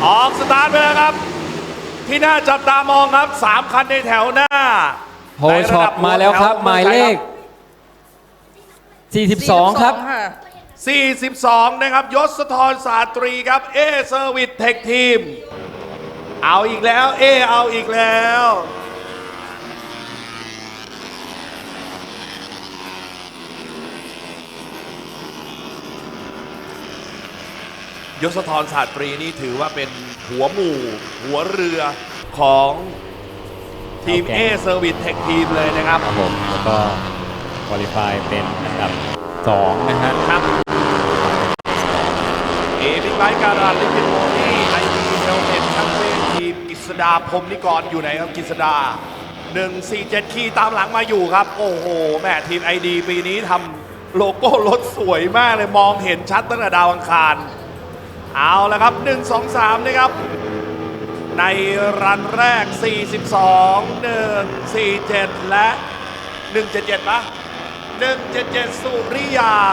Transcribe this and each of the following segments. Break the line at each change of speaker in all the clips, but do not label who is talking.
ออกสตาร์ทไปแล้วครับที่น่าจับตามองครับ3คันในแถวหน้า
โฮช็อปมาแล้วครับหมายเลข42ครับ
42นะครับยศธรสาตรีครับเอเซอร์วิสเทคทีมเอาอีกแล้วเอาอีกแล้วยศธรสาตรีนี่ถือว่าเป็นหัวหมู่หัวเรือของทีมเอเซอร์วิสเทคทีมเลยนะครับ
ครับผมแล้วก็คุริฟายเป็นอันดับ2นะฮะ
ครับบิ๊กไบค์การันลิขิตโมนี่ไอทีเฮลเมตแชมเปี้ยนทีมกฤษดาพรหมนิกรอยู่ไหนครับกฤษดา147ขี่ตามหลังมาอยู่ครับโอ้โหแม่ทีมไอดีปีนี้ทำโลโก้รถสวยมากเลยมองเห็นชัดตั้งแต่ดาวอังคารเอาละครับ1 2 3นะครับในรันแรก42 147และ177ปะ177สุริยา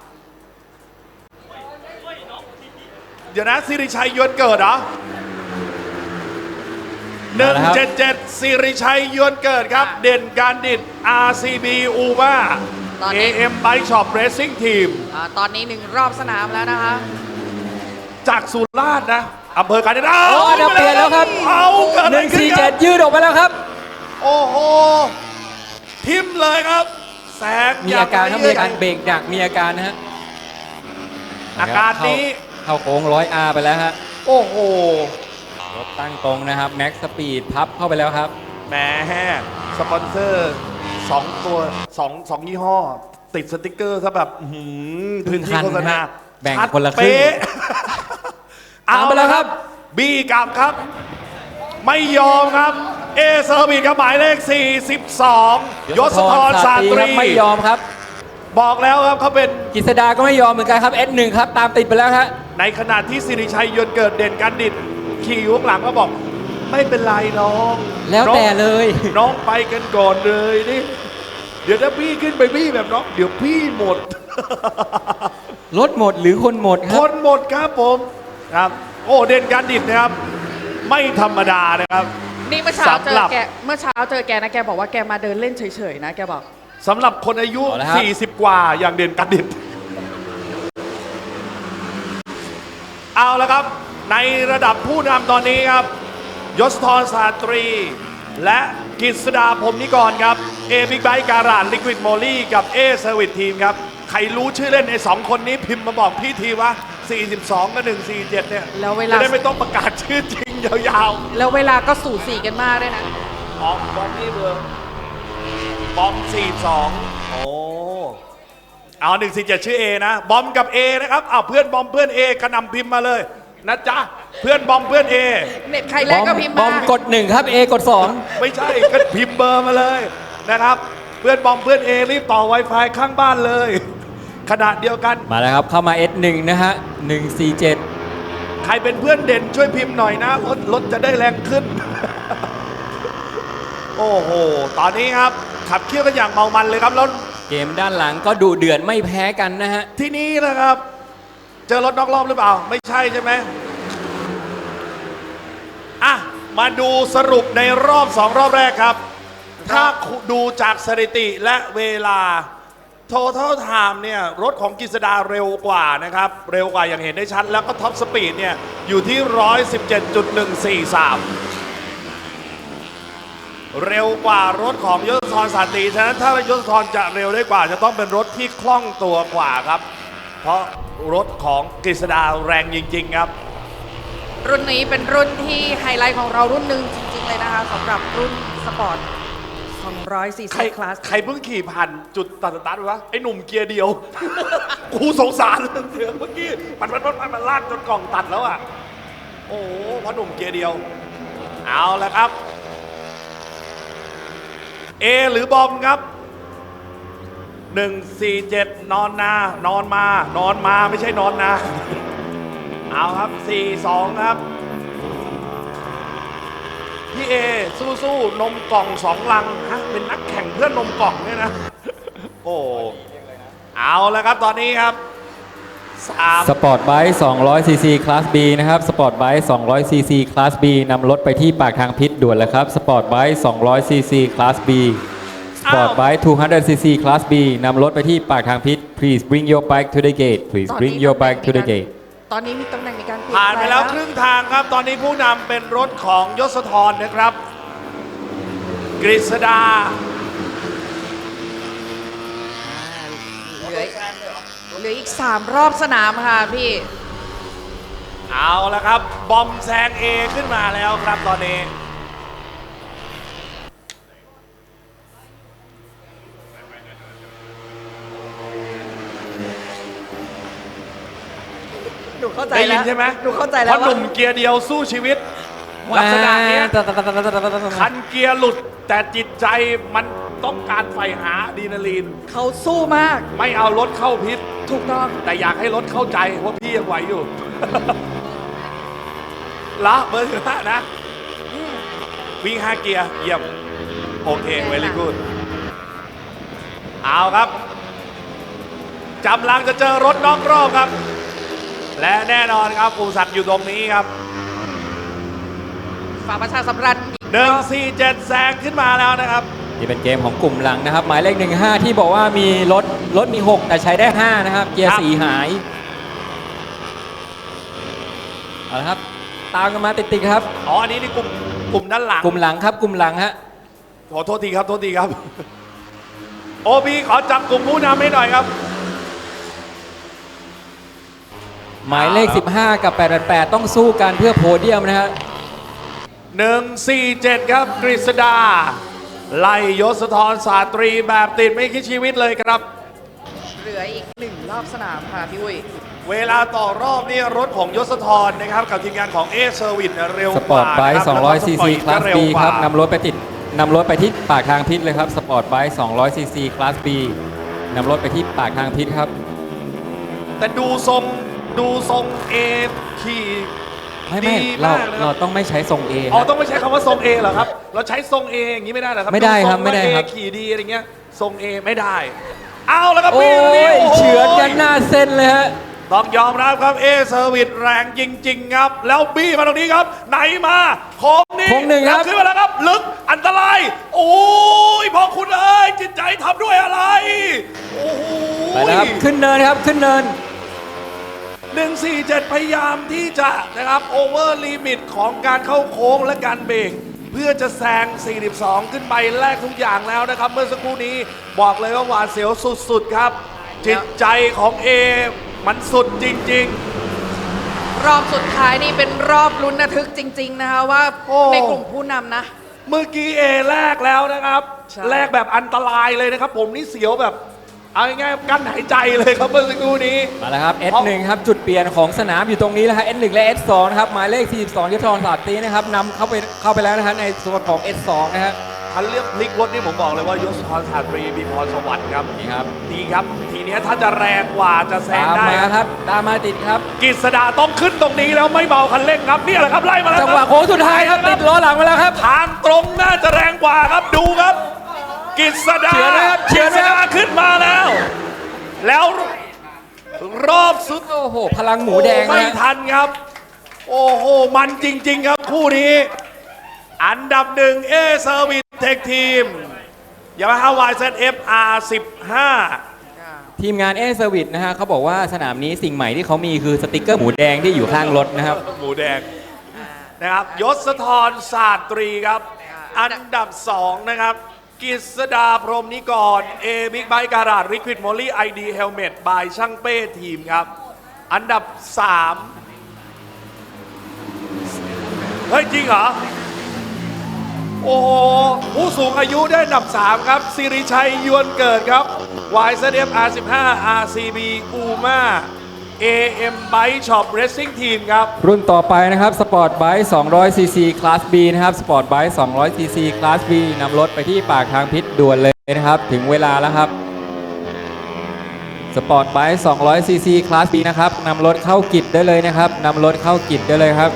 เดี๋ยวนะสิริชัยยวนเกิดเหรอ177สิริชัยยวนเกิดครับเด่นการดิด RCB UMA AM Bike Shop Racing Team
ตอนนี้1รอบสนามแล้วนะคะ
จากสุราษฎร์นะอำเภอกาญจนบุรี
โอ้เปลี่ยนแล้วครับ147ยืดออกไปแล้วครับ
โอ้โหทิมเลยครับแสง
มีอาการมีอาการเบรกหนักมีอาการนะฮะ
อาการนี้
เข้าโค้ง100R ไปแล้วฮะ
โอ้โห
รถตั้งตรงนะครับแม็กสปีดพับเข้าไปแล้วครับ
แหมสปอนเซอร์2ตัว2ยี่ห้อติดสติกเกอร์ซะแบบพื้นที่โฆษณา
แบ่งคนละครึ่ง
เอาไปแล้วครับบีกลับครับไม่ยอมครับเอเซอร์วิสครับหมายเลข42ยศธรสาตรี
ไม่ยอมครับ
บอกแล้วครับเขาเป็น
กฤษดาก็ไม่ยอมเหมือนกันครับ S1 ครับตามติดไปแล้วครับ
ในขณะที่สิริชัยยนต์เกิดเด่นกันดิดขี่อยู่ข้างหลังก็บอกไม่เป็นไรน้อง
แล้วแต่เลย
น้องไปกันก่อนเลยนี่เดี๋ยวถ้าพี่ขึ้นไปพี่แบบน้องเดี๋ยวพี่หมด
รถหมดหรือคนหมดครับ
คนหมดครับผมครับโอ้เด่นการดิดนะครับไม่ธรรมดานะครับ
นี่เมื่อเช้าเจอแกนะแกบอกว่าแกมาเดินเล่นเฉยๆนะแกบอก
สำหรับคนอายุ40กว่าอย่างเด่นการดิดเอาละครับในระดับผู้นำตอนนี้ครับยศธรสาตรีและกฤษดาพรหมนิกรครับเอบิ๊กไบค์การันลิควิดโมลี่กับเอเซอร์วิสทีมครับใครรู้ชื่อเล่นใน2คนนี้พิมพ์มาบอกพี่ทีว่า42กับ147เนี่ย
แล้วเวลา
จะได้ไม่ต้องประกาศชื่อจริงยาว
ๆแล้วเวลาก็สูสีกันมากด้วยนะ
บอมนี่เบอร์บอม42โอ้เอา147ชื่อ A นะบอมกับ A นะครับเอาเพื่อนบอมเพื่อน A กระนำพิมพ์มาเลยนะจ๊ะเพื่อนบอมเพื่อน A
เน็ตใครแรกก็พิมพ์มา
บอมกด1ครับ A กด2
ไม่ใช่ก็พิมพ์เบอร์มาเลยนะครับเพื่อนบอมเพื่อน A รีบต่อ Wi-Fi ข้างบ้านเลยขณะเดียวกัน
มาแล้วครับเข้ามา S1 นะฮะ147
ใครเป็นเพื่อนเด่นช่วยพิมพ์หน่อยนะรถจะได้แรงขึ้น โอ้โหตอนนี้ครับขับเคี่ยวกันอย่างเมามันเลยครับแล้ว
เกมด้านหลังก็ดุเดือดไม่แพ้กันนะฮะ
ที่นี้นะครับเจอรถนอกรอบหรือเปล่าไม่ใช่ใช่ไหมอ่ะมาดูสรุปในรอบ2รอบแรกครับถ้าดูจากสถิติและเวลาTotal Time เนี่ยรถของกฤษดาเร็วกว่านะครับเร็วกว่าอย่างเห็นได้ชัดแล้วก็ท็อปสปีดเนี่ยอยู่ที่117.143เร็วกว่ารถของยศธรสาตรีฉะนั้นถ้ายศธรจะเร็วได้กว่าจะต้องเป็นรถที่คล่องตัวกว่าครับเพราะรถของกฤษดาแรงจริงๆครับ
รุ่นนี้เป็นรุ่นที่ไฮไลท์ของเรารุ่นหนึ่งจริงๆเลยนะคะสำหรับรุ่นสปอร์ต240 คลาส
ใครเพิ่งขี่ผ่านจุดตัดสตาร์ทวะไอ้หนุ่มเกียร์เดียว กูสงสารเสือเมื่อกี้มันลากจนกล่องตัดแล้วอ่ะโอ้เพราะหนุ่มเกียร์เดียวเอาละครับเอหรือบอมครับ147นอนมาไม่ใช่นอนนาเอาครับ42ครับพี่เอสู้นมกล่อง2 ลังฮะเป็นนักแข่งเพื่อนนมกล่องเนี่ยนะโอ้เอาแล้วครับตอนนี้ครับ 3
สปอร์ตไบค์200 cc คลาส B นะครับสปอร์ตไบค์200 cc คลาส B นำรถไปที่ปากทางพิษด่วนเลยครับสปอร์ตไบค์200 cc คลาส B สปอร์ตไบค์200 cc คลาส B นำรถไปที่ปากทางพิษ please bring your bike to the gate please bring your bike to the gate
ตอนนี้มีตำแหน่งในการเปลี่ยน
ผ่านไปแล้ว
ปง
ครึ่งทางครับ ตอนนี้ผู้นำเป็นรถของยศธรนะครับ กฤษดา
เหลืออีก 3 รอบสนามค่ะพี่
เอาละครับ บอมแซงเอขึ้นมาแล้วครับตอนนี้
หนูเข้าใจ
ได้ยิ
แล้
น
ว
ใช่ไหม
หนูเข้าใจ
เพ
แล้ว
ราะหนุ่มเกียร์เดียวสู้ชีวิต ลักษณะเนี้ยคันเกียร์หลุดแต่จิตใจมันต้องการใฝ่หาอะดรีนาลีน
เขาสู้มาก
ไม่เอารถเข้าพิษ
ถูกต้อง
แต่อยากให้รถเข้าใจว่าพี่ยังไหวอยู่ ละเบอร์ห้านะ วิ่ง5 เกียร์เยี่ยม โอเค เวลี่กูดเอาครับจำลังจะเจอรถนอกรอบครับ และแน่นอนครับปูศักดิ์อยู่ตรงนี้ครับ
ฝากประชาสัมพันธ์
147 แซงขึ้นมาแล้วนะครับ
นี่เป็นเกมของกลุ่มหลังนะครับ หมายเลข 15 ที่บอกว่ามีรถมี 6 แต่ใช้ได้ 5 นะครับ เกีย
ค
ร์
รับ
4 หายเอาละครับ ตามกันมาติดๆครับ
อ๋อ อันนี้นี่กลุ่มด้านหลัง
กลุ่มหลังครับกลุ่มหลังฮะ
ขอโทษทีครับ โทษทีครับ โอบีขอจับกลุ่มผู้นำให้หน่อยครับ
หมายเลข 15 กับ 888 ต้องสู้กันเพื่อโพเดียมนะฮะ
147 ครับ กฤษดา ไล่ยศธรสาตรีแบบติดไม่คิดชีวิตเลยครับ
เหลืออีก 1 รอบสนามค่ะพี่อุ้ย
เวลาต่อรอบนี่รถของยศธรนะครับ กับทีมงานของเอเซอร์วิสเร็ว
ส
ก
ปอ
ว่า
ร์ตไบค์
นะรับ
200 cc คลาส B ครับนำรถไปที่ปากทางพิษเลยครับ สปอร์ตไบค์200 cc คลาส B นำรถไปที่ปากทางพิษครับ
แต่ดูทรงเอขี่
ไม่
ดี
เรา
มากเลยค
เรา
รับ
ต้องไม่ใช้ทรง A
อ๋อ
นะ
ต้องไม่ใช้คำว่าทรงเอเหรอครับ เราใช้ทรงเออย่างนี้ไม่ได้เหรอครับ
ไม่ได้ครับ
ทงว่า
ไม่ได้ครับ
A ขี่ดีอะไรเงี้ยทรงเอไม่ได้ เอาแล้วครับ
โอ้
พี่
ย
โโ
เฉือนกันหน้าเส้นเลยฮะ
ต้องยอมรับครับเอเซอร์วิสแรงจริง ๆ ครับ แล้วบี้มาตรงนี้ครับ ไหนมาโค้งนี้
โค้งหนึ่งครับ
แล้วขึ้นมาแล้วครับ ลึกอันตราย โอ้ยพอคุณเอ้ยจิตใจทำด้วยอะไร โอ้โห
ไปแล้วครับ ขึ้นเนินครับ ขึ้นเนิน
147 พยายามที่จะนะครับโอเวอร์ลิมิตของการเข้าโค้งและการเบรกเพื่อจะแซง 42 ขึ้นไปแลกทุกอย่างแล้วนะครับ เมื่อสักครู่นี้บอกเลยว่าหวาดเสียวสุด ๆ ครับ จิตใจของเอมันสุดจริง
รอบสุดท้ายนี่เป็นรอบลุ้นระทึกจริง ๆ นะคะว่า
โอ้
ในกลุ่มผู้นำนะ
ๆ เมื่อกี้เอแลกแล้วนะครับ
ใช่
แลกแบบอันตรายเลยนะครับ ผมนี่เสียวแบบเอาง่ายๆกั้นหายใจเลยครับเมื่อสักครู่นี้
มาแล้วครับ S1 ครับ จุดเปลี่ยนของสนามอยู่ตรงนี้แล้วฮะ S1 และ S2 นะครับ หมายเลข 42ยศธรศาสตรีนะครับนำเข้าไปแล้วนะฮะในส่วนของ S2 นะฮะ
คันเลือกพลิกรถนี่ผมบอกเลยว่ายศธรสาตรีมีพรสวรรค์ครับ
นี่ครับ
ดีครับ ทีเนี้ยถ้าจะแรงกว่าจะแซง
ตาม
ได้
มาครับ ตามมาติดครับ
กฤษดาต้องขึ้นตรงนี้แล้วไม่เบาคันเร่งครับนี่แหละครับไล่มาแล้ว
จังหวะโค้งสุดท้ายครับ ติดล้อหลังมาแล้วครับ
ทางตรงน่าจะแรงกว่าครับดูครับกฤษดา
เฉือนนะครับเฉือน
กฤษ
นะครับ
ดาขึ้นมาแล้ว แล้วรอบสุด
โอ้โห พลังหมูแดง
ไม่
นะ
ทันครับ โอ้โห มันจริง ๆ ครับคู่นี้ อันดับหนึ่งเอเซอร์วิสเทคทีมยามาฮ่าวายเซต FR15
ทีมงานเอเซอร์วิสนะฮะเขาบอกว่าสนามนี้สิ่งใหม่ที่เขามีคือสติกเกอร์หมูแดงที่อยู่ข้างรถนะครับ
หมูแดงนะครับยศธรศาสตรีครับ อันดับ 2 นะครับกฤษดาพรหมนิกรเอบิ๊กไบค์การาดลิควิดโมลี่ไอดีเฮลเมตบายช่างเป้ทีมครับ อันดับ 3 เฮ้ย จริงเหรอ โอ้โห ผู้สูงอายุได้อันดับ 3 ครับสิริชัยยวนเกิดครับ YZF R15 RCB UMA AM Bike Shop Racing Team ครับ
รุ่นต่อไปนะครับสปอร์ตไบค์200 cc คลาส B นะครับสปอร์ตไบค์200 cc คลาส B นำรถไปที่ปากทางพิษด่วนเลยนะครับ ถึงเวลาแล้วครับสปอร์ตไบค์200 cc คลาส B นะครับนำรถเข้ากิจได้เลยนะครับนำรถเข้ากิจได้เลยครับ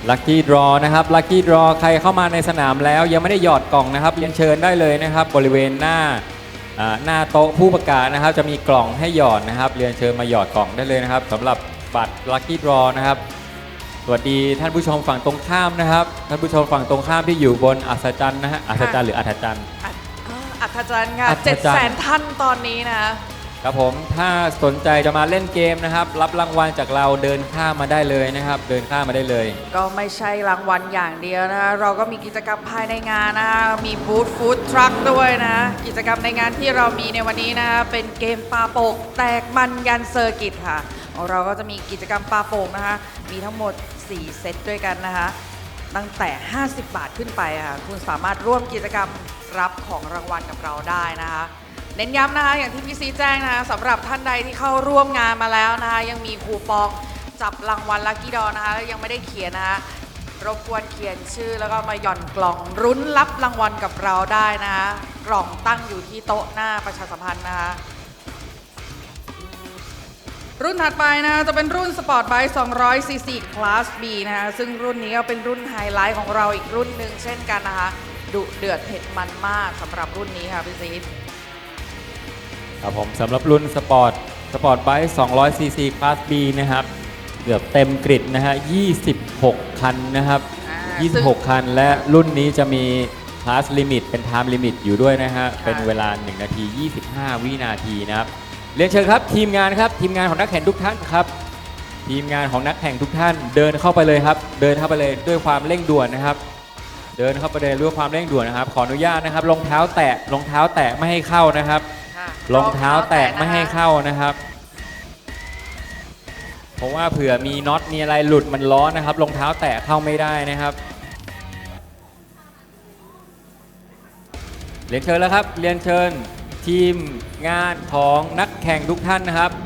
ลัคกี้ดรอนะครับลัคกี้ดรอใครเข้ามาในสนามแล้วยังไม่ได้หยอดกล่องนะครับเรียนเชิญได้เลยนะครับบริเวณหน้าโต๊ะผู้ประกาศนะครับจะมีกล่องให้หยอดนะครับเรียนเชิญมาหยอดกล่องได้เลยนะครับสำหรับบัตรลัคกี้ดรอนะครับสวัสดีท่านผู้ชมฝั่งตรงข้ามนะครับท่านผู้ชมฝั่งตรงข้ามที่อยู่บนอัศจรรย์นะฮะอัศจรรย์หรืออัศจรรย์
อัธจันทร์ค่ะ
อัธจันทร์
700,000 ท่านตอนนี้นะคะ
ครับผมถ้าสนใจจะมาเล่นเกมนะครับรับรางวัลจากเราเดินข้ามมาได้เลยนะครับเดินข้ามมาได้เลย
ก็ไม่ใช่รางวัลอย่างเดียวนะคะเราก็มีกิจกรรมภายในงานนะคะมีบูธฟู้ดทรัคด้วยนะกิจกรรมในงานที่เรามีในวันนี้นะคะเป็นเกมปาโป่งแตกมันยันเซอร์กิตค่ะของเราก็จะมีกิจกรรมปาโป่งนะคะมีทั้งหมด 4 เซตด้วยกันนะคะตั้งแต่ 50 บาทขึ้นไปค่ะคุณสามารถร่วมกิจกรรมรับของรางวัลกับเราได้นะคะเน้นย้ำนะคะอย่างที่พี่ซีแจ้งนะคะสำหรับท่านใดที่เข้าร่วมงานมาแล้วนะคะยังมีคูปองจับรางวัลลัคกี้ดอนะคะแล้วยังไม่ได้เขียนนะคะรบกวนเขียนชื่อแล้วก็มาหย่อนกล่องรุ้นรับรางวัลกับเราได้นะคะกล่องตั้งอยู่ที่โต๊ะหน้าประชาสัมพันธ์นะคะรุ่นถัดไปนะคะจะเป็นรุ่นสปอร์ตไบค์200 cc Class B นะคะซึ่งรุ่นนี้ก็เป็นรุ่นไฮไลท์ของเราอีกรุ่นหนึ่งเช่นกันนะคะดุเดือดเผ็ดมันมากสำหรับรุ่นนี้ค่ะพี่ซีด
ครับผมสำหรับรุ่นสปอร์ตไบค์200 cc Class B นะครับเกือบเต็มกริดนะฮะ26 คันนะครับ26 คันและรุ่นนี้จะมี Class Limit เป็น Time Limit อยู่ด้วยนะฮะเป็นเวลา1นาที25 วินาทีนะครับเรียนเชิญครับทีมงานครับทีมงานของนักแข่งทุกท่านครับทีมงานของนักแข่งทุกท่านเดินเข้าไปเลยครับเดินเข้าไปเลยด้วยความเร่งด่วนนะครับเดินเข้าไปเลยด้วยความเร่งด่วนนะครับขออนุญาตนะครับรองเท้าแตะไม่ให้เข้านะครับรองเท้าแตะไม่ให้เข้านะครับเพราะว่าเผื่อมีน็อตมีอะไรหลุดมันร้อนนะครับรองเท้าแตะเข้าไม่ได้นะครับเรียนเชิญแล้วครับเรียนเชิญทีมงานของนักแข่งทุกท่านนะครับ